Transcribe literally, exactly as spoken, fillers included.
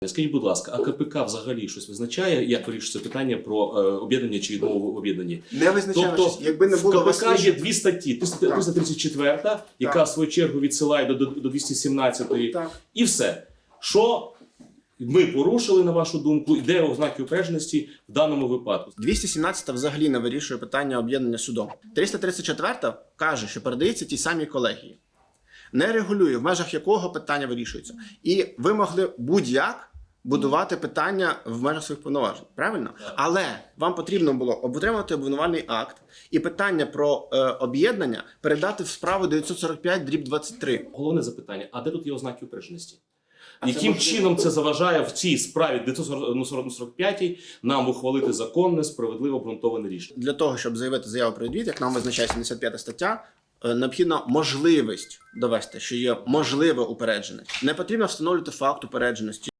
Скажіть, будь ласка, а КПК взагалі щось визначає, як вирішується питання про е, об'єднання чи відмову в об'єднанні? Не визначає Тобто, щось. Якби не було в КПК вас... є дві статті. триста тридцять четверта, яка Так. в свою чергу відсилає до, до, до двісті сімнадцятої. Так. І все. Що ми порушили, на вашу думку, і де ознаки упередженості в даному випадку? двісті сімнадцята взагалі не вирішує питання об'єднання судом. триста тридцять четверта каже, що передається тій самій колегії. Не регулює, в межах якого питання вирішується. І ви могли будь-як будувати питання в межах своїх повноважень. Правильно? Так. Але вам потрібно було отримати обвинувальний акт і питання про е, об'єднання передати в справу дев'ятсот сорок п'ять дріб двадцять три. Головне запитання, а де тут є ознаки упередженості? А це Яким можливо- чином це заважає в цій справі дев'ятсот сорок п'ятій нам ухвалити законне, справедливо обґрунтоване рішення? Для того, щоб заявити заяву про відвід, як нам визначає сімдесят п'ята стаття, е, необхідна можливість довести, що є можливе упереджене. Не потрібно встановлювати факт упередженості.